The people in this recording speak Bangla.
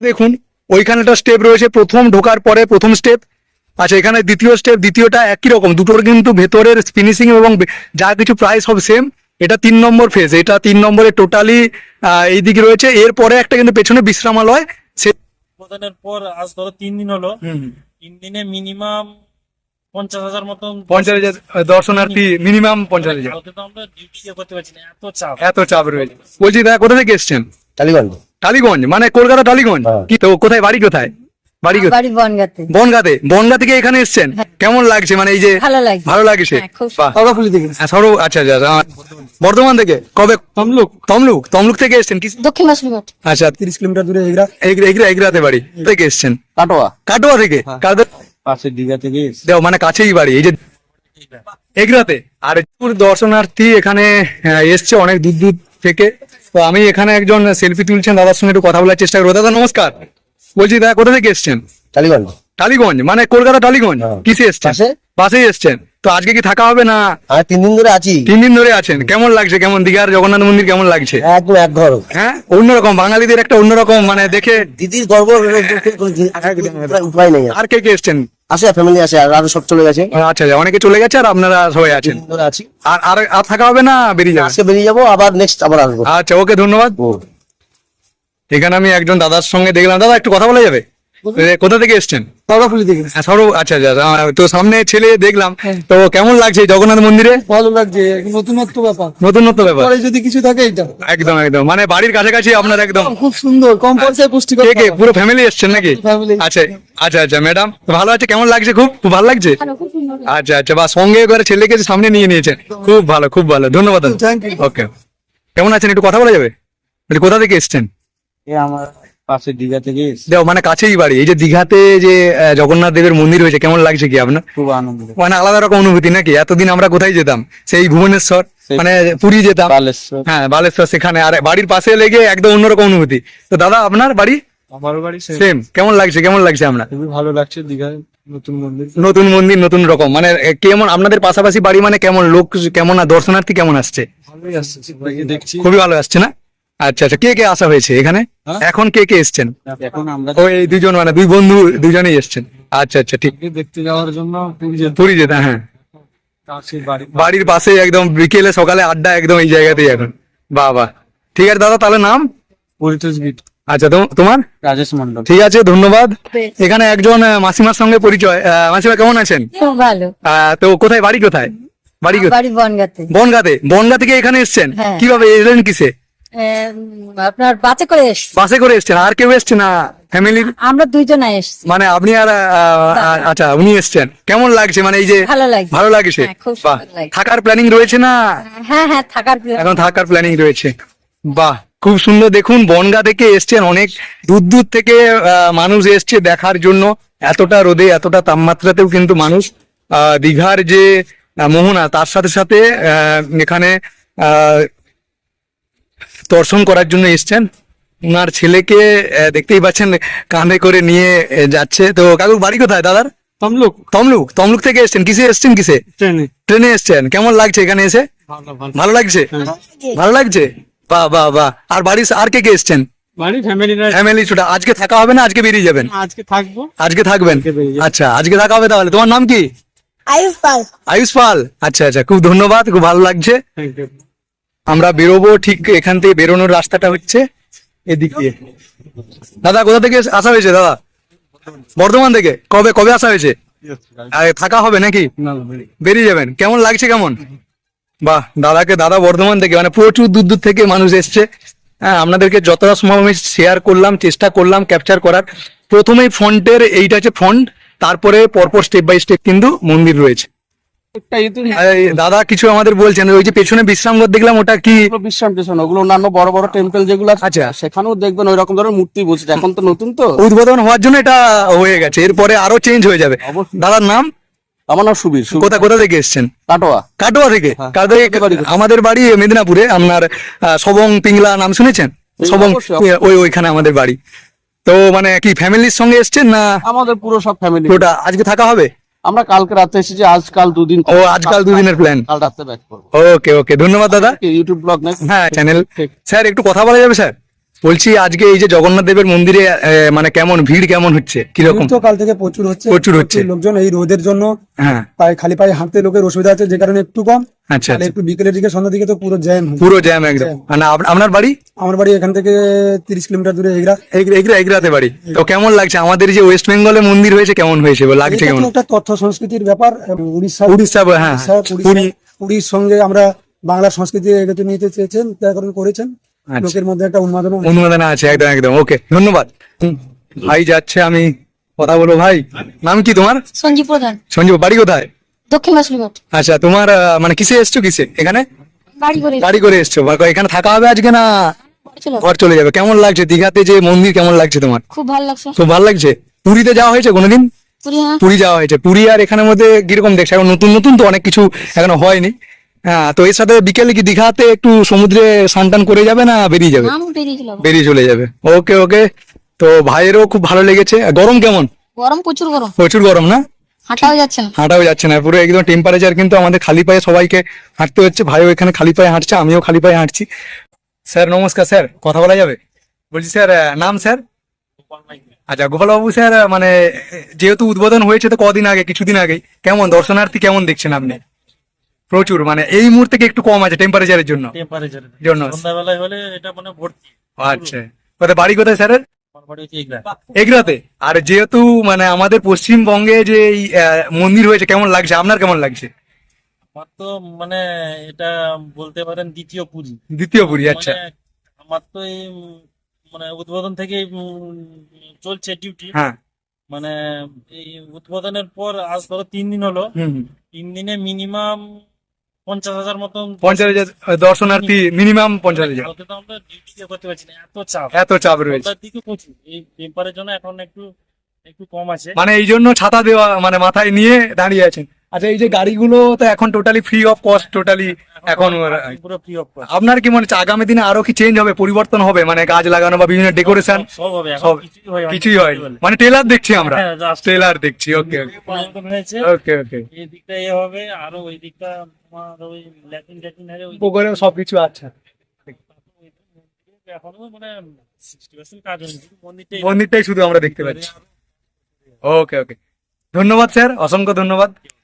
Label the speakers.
Speaker 1: দেখুন ওইখানে একটা স্টেপ রয়েছে, প্রথম ঢোকার পরে প্রথম স্টেপ। আচ্ছা, এখানে দ্বিতীয় স্টেপ, দ্বিতীয়টা একই রকম, দুটোর কিন্তু ভেতরের ফিনিশিং এবং যা কিছু প্রায় সব সেম। এটা 3 নম্বর ফেজ, এটা 3 নম্বরে টোটালি এইদিকে রয়েছে। এরপরে একটা কিন্তু পেছনে বিশ্রামালয়। সে
Speaker 2: উদ্বোধনের পর আজ ধরো 3 দিন হলো। 3 দিনে মিনিমাম 50,000 মতন
Speaker 1: 50,000 দর্শনার্থী, মিনিমাম 50,000।
Speaker 2: কালকে তো আমরা ডিউটি করতে পারছি না,
Speaker 1: এত চাপ রয়েছে। বলছি দাদা, কোথা থেকে এসছেন?
Speaker 3: টালিগঞ্জ।
Speaker 1: টালিগঞ্জ মানে কলকাতা টালিগঞ্জ?
Speaker 3: হ্যাঁ।
Speaker 1: কি তো, কোথায় বাড়ি কোথায়? বাড়ি কোথায়?
Speaker 4: বাড়ি বনগাঁতে।
Speaker 1: বনগাঁতে? বনগাঁ থেকে এখানে এসছেন, কেমন লাগছে? মানে এই যে
Speaker 4: ভালো লাগছে।
Speaker 1: ভালো লাগছে।
Speaker 4: হ্যাঁ, খুব
Speaker 1: বাহ।
Speaker 3: সর্বফুলি থেকে।
Speaker 1: হ্যাঁ, আচ্ছা আচ্ছা, বর্ধমান থেকে? কবে? তমলুক থেকে এসছেন কি?
Speaker 4: দক্ষিণ মাসুলিঘাট।
Speaker 1: আচ্ছা,
Speaker 3: 30 কিলোমিটার দূরে
Speaker 1: এগরাতে বাড়ি থেকে এসছেন?
Speaker 3: কাটোয়া।
Speaker 1: কাটোয়া থেকে? কাদের?
Speaker 3: পাশে দিঘা থেকে।
Speaker 1: দেও মানে কাছেই বাড়ি, এই যে এগরাতে। আর দর্শনার্থী এখানে এসছে অনেক দূর দূর থেকে। তো আমি এখানে একজন সেলফি তুলছেন দাদার সঙ্গে একটু কথা বলার চেষ্টা করবো। দাদা নমস্কার। বলছি দাদা, কোথা থেকে এসছেন?
Speaker 3: টালিগঞ্জ।
Speaker 1: টালিগঞ্জ মানে কলকাতা টালিগঞ্জ?
Speaker 3: হ্যাঁ।
Speaker 1: কিসে এসছেন? বাসে এসছেন? তো আজকে কি থাকা হবে না?
Speaker 3: আর 3 দিন ধরে আছি।
Speaker 1: 3 দিন ধরে আছেন, কেমন লাগছে? কেমন দীঘার জগন্নাথ মন্দির কেমন লাগছে?
Speaker 3: একদম এক ঘর।
Speaker 1: হ্যাঁ, অন্যরকম, বাঙালিদের একটা অন্যরকম মানে দেখে।
Speaker 3: দিদির গর্ব, উপায় নেই।
Speaker 1: আর কে কে এসছেন?
Speaker 3: আসে ফ্যামিলি আছে, আর আরো সব চলে গেছে।
Speaker 1: আচ্ছা আচ্ছা, অনেকে চলে গেছে আর আপনারা সবাই
Speaker 3: 3
Speaker 1: আছেন।
Speaker 3: দিন ধরে আছি।
Speaker 1: আর আর আর থাকা হবে না, বেরিয়ে যাবে?
Speaker 3: আজকে বেরিয়ে যাবো, আবার নেক্সট আবার আসবো।
Speaker 1: আচ্ছা, ওকে, ধন্যবাদ। এখানে আমি একজন দাদার সঙ্গে দেখলাম। দাদা একটু কথা বলা যাবে? কোথা থেকে এসছেন?
Speaker 3: সর্বফুলি থেকে।
Speaker 1: হ্যাঁ, আচ্ছা আচ্ছা, তো সামনে ছেলে দেখলাম, তো কেমন লাগছে জগন্নাথ মন্দিরে?
Speaker 3: ভালো লাগছে, নতুনত্ব ব্যাপার।
Speaker 1: নতুনত্ব ব্যাপার,
Speaker 3: পরে যদি কিছু থাকে এটা
Speaker 1: একদম একদম মানে বাড়ির কাছাকাছি আপনার একদম।
Speaker 3: খুব সুন্দর, কম পয়সায় পুষ্টিকর।
Speaker 1: কে কে পুরো ফ্যামিলি এসছেন নাকি?
Speaker 3: ফ্যামিলি।
Speaker 1: আচ্ছা আচ্ছা আচ্ছা, ম্যাডাম ভালো আছে? কেমন লাগছে? খুব খুব ভালো লাগছে। আচ্ছা আচ্ছা, বা সঙ্গে করে ছেলেকে সামনে নিয়ে নিয়েছেন, খুব ভালো খুব ভালো, ধন্যবাদ।
Speaker 3: Thank you.
Speaker 1: ওকে, কেমন আছেন? একটু কথা বলা যাবে? বলি কোথা থেকে এসছেন?
Speaker 3: আমার পাশে দিঘা থেকে।
Speaker 1: দেও মানে কাছেই বাড়ি। এই যে দীঘাতে যে জগন্নাথ দেবের মন্দির হয়েছে, কেমন লাগছে কি আপনার?
Speaker 3: খুব আনন্দ।
Speaker 1: মানে আলাদা রকম অনুভূতি নাকি? এতদিন আমরা কোথায় যেতাম, সেই ভুবনেশ্বর, মানে পুরী যেতাম,
Speaker 3: বালেশ্বর।
Speaker 1: হ্যাঁ বালেশ্বর, সেখানে আর বাড়ির পাশে লেগে একদম অন্যরকম অনুভূতি। তো দাদা আপনার বাড়ি?
Speaker 3: আমারও বাড়ি
Speaker 1: সেম। কেমন লাগছে? কেমন লাগছে আপনার?
Speaker 3: খুবই ভালো লাগছে, দীঘায় নতুন মন্দির।
Speaker 1: নতুন মন্দির, নতুন রকম, মানে কেমন আপনাদের পাশাপাশি বাড়ি, মানে কেমন লোক, কেমন দর্শনার্থী কেমন আসছে?
Speaker 3: ভালোই আসছে, সবাইকে দেখছি।
Speaker 1: খুবই ভালো আসছে না? আচ্ছা আচ্ছা, কে কে আসা হয়েছে এখানে?
Speaker 3: হ্যাঁ?
Speaker 1: এখন কে কে এসছেন?
Speaker 3: এখন আমরা
Speaker 1: ওই দুজন, মানে দুই বন্ধু, দুজনেই এসছেন। আচ্ছা আচ্ছা, ঠিক।
Speaker 3: দেখতে যাওয়ার জন্য
Speaker 1: পুরী যেতে, হ্যাঁ,
Speaker 3: কাছে বাড়ি।
Speaker 1: বাড়ির পাশে একদম, বিকেলে সকালে আড্ডা একদম এই জায়গাতেই এখন। বাহ বাহ, ঠিক আছে দাদা, তাহলে নাম?
Speaker 3: পরিতোষ গীত।
Speaker 1: আচ্ছা, তোমার?
Speaker 3: রাজেশ মন্ডল।
Speaker 1: ঠিক আছে, ধন্যবাদ। এখানে একজন মাসিমার সঙ্গে পরিচয়। মাসিমা কেমন আছেন?
Speaker 4: খুব ভালো।
Speaker 1: তো কোথায় বাড়ি, কোথায় বাড়ি?
Speaker 4: বাড়ি বনগাঁতে।
Speaker 1: বনগাঁতে? বনগাঁ থেকে এখানে এসছেন?
Speaker 4: হ্যাঁ।
Speaker 1: কিভাবে এলেন, কিসে?
Speaker 4: আপনার বাসে করে এসছি।
Speaker 1: বাসে করে এসছেন? আর কেউ এসছে না ফ্যামিলির?
Speaker 4: আমরা দুইজনে এসছি।
Speaker 1: মানে আপনি আর আচ্ছা, উনি এসছেন। কেমন লাগছে মানে এই যে?
Speaker 4: ভালো লাগছে।
Speaker 1: ভালো লাগছে।
Speaker 4: হ্যাঁ, খুব
Speaker 1: বাহ,
Speaker 4: সুন্দর লাগছে।
Speaker 1: থাকার প্ল্যানিং রয়েছে না?
Speaker 4: হ্যাঁ হ্যাঁ, থাকার plan।
Speaker 1: এখন থাকার প্ল্যানিং রয়েছে। বাহ, খুব সুন্দর। দেখুন, বনগাঁ থেকে এসছেন, অনেক দূর দূর থেকে মানুষ এসছে দেখার জন্য। এতটা রোদে, এতটা তাপমাত্রাতেও কিন্তু মানুষ দীঘার যে মোহনা, তার সাথে সাথে এখানে দর্শন করার জন্য এসছেন। ওনার ছেলেকে দেখতেই পাচ্ছেন, কাঁধে করে নিয়ে যাচ্ছে। তো কাকুর বাড়ি কোথায় দাদার?
Speaker 3: তমলুক।
Speaker 1: তমলুক থেকে এসছেন? কিসে এসছেন, কিসে?
Speaker 3: ট্রেনে।
Speaker 1: ট্রেনে এসছেন। কেমন লাগছে এখানে এসে? ভালো লাগছে? ভালো লাগছে, বাহ বাহ বাহ। আর বাড়ির আর কে কে এসছেন?
Speaker 3: বাড়ি
Speaker 1: ফ্যামিলি ছোটা। আজকে থাকা হবে না, আজকে বেরিয়ে যাবেন?
Speaker 3: আজকে থাকবো।
Speaker 1: আজকে থাকবেন? আচ্ছা, আজকে থাকা হবে তাহলে। তোমার নাম কি?
Speaker 4: আয়ুষ পাল।
Speaker 1: আয়ুষ পাল। আচ্ছা আচ্ছা, খুব ধন্যবাদ, খুব ভালো লাগছে।
Speaker 3: Thank you.
Speaker 1: আমরা বেরোবো, ঠিক এখান থেকে বেরোনোর রাস্তাটা হচ্ছে এদিক দিয়ে। দাদা কোথা থেকে আসা হয়েছে? দাদা বর্ধমান থেকে? কবে কবে আসা হয়েছে? আর থাকা হবে নাকি? বেরিয়ে যাবেন? কেমন লাগছে, কেমন? বাহ, দাদা বর্ধমান থেকে, মানে প্রচুর দূর দূর থেকে মানুষ এসছে। হ্যাঁ, আপনাদেরকে যতটা সম্ভব আমি শেয়ার করলাম, চেষ্টা করলাম ক্যাপচার করার। প্রথমেই ফ্রন্টের এইটা হচ্ছে ফ্রন্ট, তারপরে পরপর স্টেপ বাই স্টেপ কিন্তু মন্দির রয়েছে। এই দাদা কিছু আমাদের বলছেন, ওই যে পেছনে বিশ্রামঘর দেখলাম, ওটা কি?
Speaker 5: বিশ্রাম স্টেশন, ওগুলো অন্যান্য বড় বড় টেম্পল যেগুলো আছে,
Speaker 1: আচ্ছা।
Speaker 5: সেখানেও দেখবেন ওই রকম ধরনের মূর্তি বসেছে। এখন তো নতুন, তো
Speaker 1: উদ্বোধন হওয়ার জন্য এটা হয়ে গেছে, এরপরে আরো চেঞ্জ হয়ে যাবে।
Speaker 5: অবশ্যই।
Speaker 1: দাদার নাম?
Speaker 5: আমার নাম সুবীর।
Speaker 1: কোথা থেকে এসছেন?
Speaker 5: কাটোয়া।
Speaker 1: কাটোয়া থেকে?
Speaker 5: হ্যাঁ।
Speaker 1: আমাদের বাড়ি মেদিনীপুরে। আপনার সবং পিংলা নাম শুনেছেন? সবং,
Speaker 5: অবশ্যই।
Speaker 1: ওইখানে আমাদের বাড়ি। তো মানে কি ফ্যামিলির সঙ্গে এসছেন না?
Speaker 5: আমাদের পুরো সব ফ্যামিলি।
Speaker 1: ওটা আজকে থাকা হবে?
Speaker 5: আমরা কালকে রাতে এসেছি, আজকাল দুদিন।
Speaker 1: ও, আজকাল দুদিনের প্ল্যান।
Speaker 5: কাল রাতে ব্যাক করবো।
Speaker 1: ওকে ওকে, ধন্যবাদ দাদা।
Speaker 5: ইউটিউব ব্লগ নাকি?
Speaker 1: হ্যাঁ, চ্যানেল।
Speaker 5: ঠিক।
Speaker 1: স্যার একটু কথা বলা যাবে স্যার? বলছি আজকে এই যে জগন্নাথ দেবের মন্দিরে মানে কেমন ভিড় কেমন হচ্ছে কিরকম?
Speaker 6: ভিড় তো কাল থেকে প্রচুর হচ্ছে,
Speaker 1: প্রচুর হচ্ছে।
Speaker 6: লোকজন এই রোদের জন্য
Speaker 1: হ্যাঁ,
Speaker 6: খালি পায়ে হাঁটতে লোকের অসুবিধা আছে, যে কারণে একটু কম।
Speaker 1: আচ্ছা
Speaker 6: তাহলে
Speaker 1: আচ্ছা।
Speaker 6: একটু বিকেলের দিকে সন্ধ্যার দিকে তো পুরো জ্যাম।
Speaker 1: পুরো জ্যাম একদম।
Speaker 6: জ্যাম।
Speaker 1: মানে আপনার বাড়ি
Speaker 6: আমার বাড়ি এখান থেকে 30 কিলোমিটার দূরে এগরা।
Speaker 1: এগরাতে বাড়ি। তো কেমন লাগছে আমাদের যে ওয়েস্ট বেঙ্গলে মন্দির হয়েছে, কেমন হয়েছে লাগছে
Speaker 6: এটা
Speaker 1: কেমন?
Speaker 6: তো একটা তথ্য সংস্কৃতির ব্যাপার। উড়িষ্যা
Speaker 1: হ্যাঁ,
Speaker 6: পুরী পুরীর সঙ্গে আমরা বাংলা সংস্কৃতি এগোতে নিতে চেয়েছেন, তার কারণে করেছেন।
Speaker 1: আচ্ছা।
Speaker 6: লোকের মধ্যে একটা উন্মাদনা আছে।
Speaker 1: অনুমোদনা আছে একদম একদম। ওকে, ধন্যবাদ। ভাই যাচ্ছে, আমি কথা বলবো। ভাই নাম কি তোমার?
Speaker 4: সঞ্জীব প্রধান,
Speaker 1: সঞ্জীব, বাড়ি কোথায়?
Speaker 4: দক্ষিণ মাসুলিঘাট।
Speaker 1: আচ্ছা, তোমার মানে কিসে এসছো, কিসে এখানে
Speaker 4: বাড়ি করে
Speaker 1: গাড়ি করে এসছো? বা এখানে থাকা হবে আজকে না
Speaker 4: চলো।
Speaker 1: ঘর চলে যাবে? কেমন লাগছে দীঘাতে যে মন্দির, কেমন লাগছে তোমার?
Speaker 4: খুব ভালো লাগছে।
Speaker 1: খুব ভালো লাগছে। পুরীতে যাওয়া হয়েছে কোনোদিন?
Speaker 4: পুরী, হ্যাঁ।
Speaker 1: পুরী যাওয়া হয়েছে। পুরী আর এখানের মধ্যে কিরকম দেখছো? এখন নতুন নতুন তো অনেক কিছু এখনো হয়নি। হ্যাঁ, তো এর সাথে বিকেলে কি দীঘাতে একটু সমুদ্রে স্নান টান করে যাবে না বেরিয়ে যাবে?
Speaker 4: নাম বেরিয়েছিল।
Speaker 1: বেরিয়ে চলে যাবে। ওকে ওকে। তো ভাইয়েরও খুব ভালো লেগেছে। আর গরম কেমন?
Speaker 4: গরম, প্রচুর গরম,
Speaker 1: প্রচুর গরম না?
Speaker 4: হাঁটাও যাচ্ছে না।
Speaker 1: হাঁটাও যাচ্ছে না, পুরো একদম টেম্পারেচার। কিন্তু আমাদের খালি পায়ে সবাইকে হাঁটতে হচ্ছে। ভাইও এখানে খালি পায়ে হাঁটছে, আমিও খালি পায়ে হাঁটছি। স্যার নমস্কার। স্যার কথা বলা যাবে? বলছি স্যার, নাম স্যার? আচ্ছা, গোপালবাবু স্যার, মানে যেহেতু উদ্বোধন হয়েছে তো কদিন আগে, কিছুদিন আগে, কেমন দর্শনার্থী কেমন দেখছেন আপনি? প্রচুর, মানে এই মুহূর্তে কি একটু কম আছে টেম্পারেচারের জন্য?
Speaker 2: টেম্পারেচারের
Speaker 1: জন্য।
Speaker 2: সন্ধ্যাবেলায় হলে এটা মানে ভর্তি।
Speaker 1: আচ্ছা, কোথায় বাড়ি, কোথায় স্যারের?
Speaker 2: আমার বাড়ি হচ্ছে এগরা।
Speaker 1: এগরাতে। আর যেহেতু মানে আমাদের পশ্চিমবঙ্গে যে এই মন্দির হয়েছে, কেমন লাগছে আপনার, কেমন লাগছে?
Speaker 2: আমার তো মানে এটা বলতে পারেন দ্বিতীয় পুরী।
Speaker 1: দ্বিতীয় পুরী। আচ্ছা।
Speaker 2: মানে আমার তো এই মানে উদ্বোধন থেকে চলছে ডিউটি।
Speaker 1: হ্যাঁ।
Speaker 2: মানে এই উদ্বোধনের পর আজ ধরো 3 দিন হলো।
Speaker 1: হুম হুম।
Speaker 2: 3 দিনে মিনিমাম 50,000 মতন
Speaker 1: 50,000 দর্শনার্থী, মিনিমাম 50,000।
Speaker 2: কালকে তো আমরা ডিউটি করতে পারছি না, এত চাপ।
Speaker 1: এত চাপ রয়েছে।
Speaker 2: সন্ধ্যার দিকে প্রচুর। এই টেম্পারের জন্য এখন একটু একটু কম আছে।
Speaker 1: মানে এই জন্য ছাতা দেওয়া, মানে মাথায় নিয়ে দাঁড়িয়ে আছেন। আচ্ছা, এই যে গাড়িগুলো তো এখন totally free of cost, totally এখন
Speaker 2: পুরো ফ্রি অফ কস্ট।
Speaker 1: আপনার কি মনে হচ্ছে আগামী দিনে আরো কি চেঞ্জ হবে, পরিবর্তন হবে, মানে গাছ লাগানো বা বিভিন্ন ডেকোরেশন?
Speaker 2: সব হবে, এখন
Speaker 1: সব
Speaker 2: কিছুই হয়
Speaker 1: মানে ট্রেলার দেখছি আমরা,
Speaker 2: হ্যাঁ, just
Speaker 1: ট্রেলার দেখছি। ওকে
Speaker 2: পরিবর্তন হয়েছে।
Speaker 1: ওকে ওকে।
Speaker 2: এই দিকটা এ হবে, আরো ওই দিকটা তোমার ওই ল্যাটিন ট্যাটিন হবে ওই
Speaker 1: পুকুরে সবকিছু। আচ্ছা,
Speaker 2: এখনো মানে 60% কাজ হয়নি, শুধু মন্দিরটাই
Speaker 1: মন্দিরটাই শুধু আমরা দেখতে পাচ্ছি। ওকে ওকে, ধন্যবাদ স্যার, অসংখ্য ধন্যবাদ।